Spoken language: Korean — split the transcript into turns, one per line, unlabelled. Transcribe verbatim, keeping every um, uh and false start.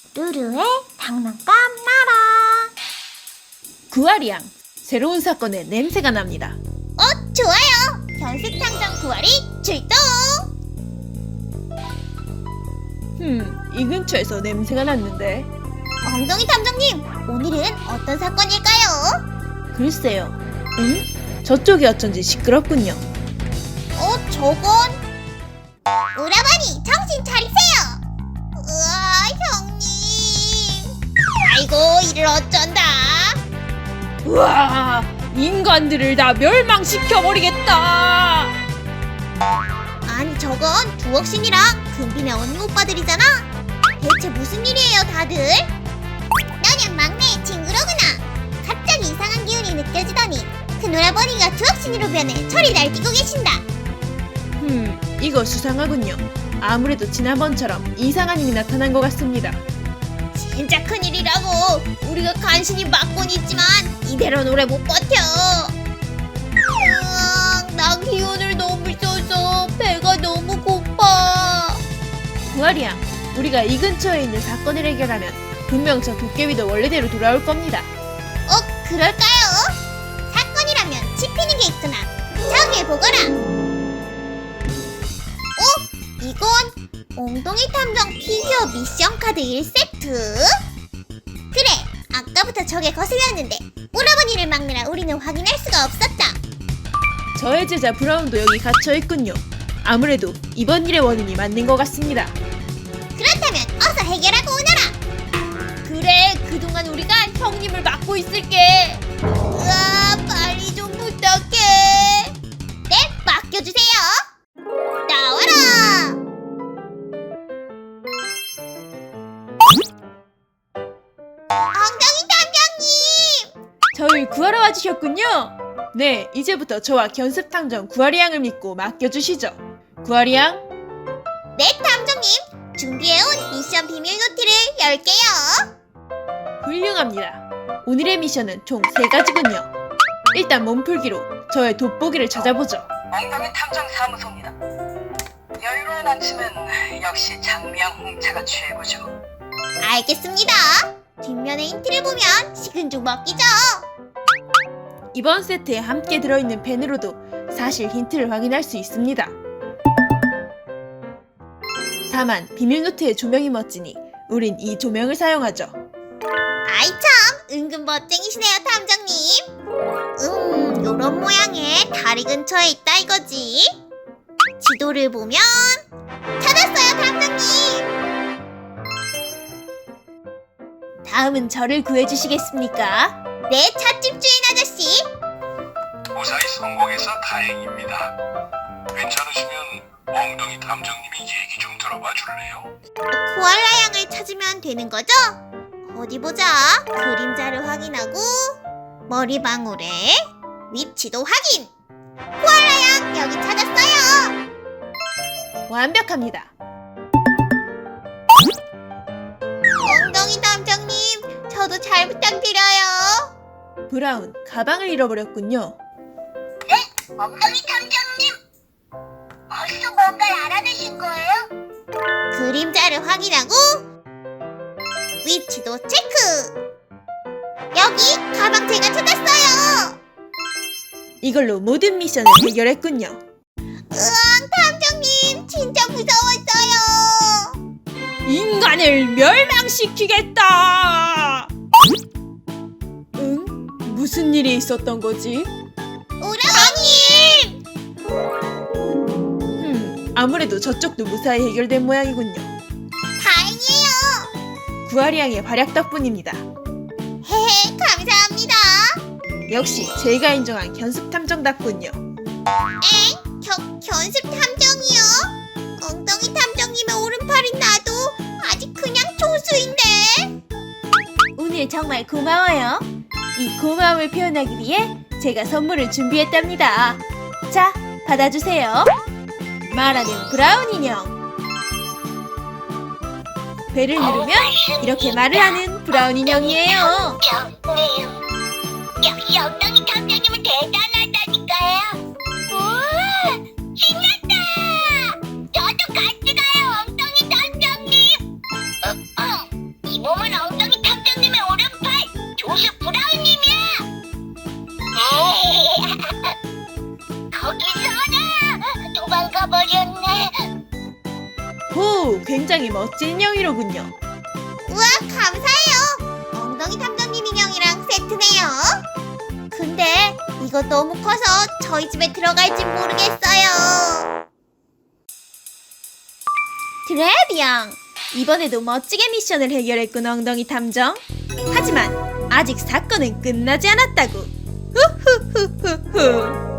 루루의 장난감 나라.
구아리양, 새로운 사건에 냄새가 납니다.
어, 좋아요. 견습탐정 구아리 출동.
흠, 이 근처에서 냄새가 났는데.
엉덩이 탐정님, 오늘은 어떤 사건일까요?
글쎄요. 응? 저쪽이 어쩐지 시끄럽군요.
어, 저건 오라버니, 정신 차리세요. 우와, 형님. 아이고, 이를 어쩐다.
우와, 인간들을 다 멸망시켜버리겠다.
아니, 저건 두억신이랑 금빈의 언니 오빠들이잖아. 대체 무슨 일이에요, 다들? 너냐 막내의 친구로구나. 갑자기 이상한 기운이 느껴지더니 큰 오라버니가 두억신이로 변해 철이 날뛰고 계신다.
흠, 이거 수상하군요. 아무래도 지난번처럼 이상한 힘이 나타난 것 같습니다.
진짜 큰일이라고. 우리가 간신히 막곤 있지만 이대로는 오래 못 버텨. 으앙, 나 기운을 너무 써서 배가 너무 고파.
구아리양, 우리가 이 근처에 있는 사건을 해결하면 분명 저 도깨비도 원래대로 돌아올 겁니다.
어, 그럴까요? 사건이라면 짚히는 게 있구나. 저기 보거라. 어? 이건 엉덩이 탐정 피규어 미션 카드 일 세트? 그래, 아까부터 저게 거슬렸는데 오라버니를 막느라 우리는 확인할 수가 없었다.
저의 제자 브라운도 여기 갇혀있군요. 아무래도 이번 일의 원인이 맞는 것 같습니다.
그렇다면 어서 해결하고 오너라.
그래, 그동안 우리가 형님을 맡고 있을게.
으아, 빨리 좀 부탁해. 네, 맡겨주세요. 나와라. 엉덩이 탐정님.
저를 구하러 와주셨군요. 네, 이제부터 저와 견습탐정 구아리양을 믿고 맡겨주시죠. 구아리양?
네, 탐정님. 준비해온 미션 비밀 노트를 열게요.
훌륭합니다. 오늘의 미션은 총 세 가지군요. 일단 몸풀기로 저의 돋보기를 찾아보죠.
엉덩이 탐정 사무소입니다. 여유로운 아침은 역시 장미향 홍차가 최고죠.
알겠습니다. 뒷면에 힌트를 보면 식은 죽 먹기죠.
이번 세트에 함께 들어있는 펜으로도 사실 힌트를 확인할 수 있습니다. 다만 비밀노트의 조명이 멋지니 우린 이 조명을 사용하죠.
아이 참, 은근 멋쟁이시네요, 탐정님. 음, 요런 모양의 다리 근처에 있다 이거지. 지도를 보면 찾았어요, 탐정님.
다음은 저를 구해주시겠습니까?
네, 찻집 주인 아저씨.
무사히 성공해서 다행입니다. 괜찮으시면 엉덩이 탐정님이 얘기 좀 들어봐 줄래요?
코알라 양을 찾으면 되는 거죠? 어디 보자. 그림자를 확인하고 머리방울의 위치도 확인. 코알라 양 여기 찾았어요.
완벽합니다.
엉덩이 탐정님, 저도 잘 부탁드려요.
브라운, 가방을 잃어버렸군요.
엉덩이 탐정님, 벌써 뭔가를 알아내신 거예요? 그림자를 확인하고 위치도 체크. 여기 가방 제가 찾았어요.
이걸로 모든 미션을 해결했군요.
으앙, 탐정님 진짜 무서웠어요.
인간을 멸망시키겠다! 응? 무슨 일이 있었던 거지?
오라버님!
흠, 아무래도 저쪽도 무사히 해결된 모양이군요.
다행이에요.
구아리양의 활약 덕분입니다.
헤헤, 감사합니다.
역시 제가 인정한 견습탐정답군요.
엥? 겨, 견습 탐정이요? 엉덩이 탐정님의 오른팔인 나도 아직 그냥 조수인데.
오늘 정말 고마워요. 이 고마움을 표현하기 위해 제가 선물을 준비했답니다. 자, 받아주세요. 말하는 브라운 인형. 배를 누르면 이렇게 말을 하는 브라운 인형이에요.
탐정님, 역시 엉덩이 탐정님은 대단하다니까요. 우와, 신났다. 저도 같이 가요, 엉덩이 탐정님. 어, 어. 이 이놈은 엉덩이 탐정님의 오른팔 조슈 브라운님이야. 거기서는 도망가 버렸네.
오, 굉장히 멋진 인형이로군요.
우와, 감사해요. 엉덩이 탐정님 인형이랑 세트네요. 근데 이거 너무 커서 저희 집에 들어갈지 모르겠어요.
드래비앙! 이번에도 멋지게 미션을 해결했군, 엉덩이 탐정. 하지만 아직 사건은 끝나지 않았다고. 후후후후후.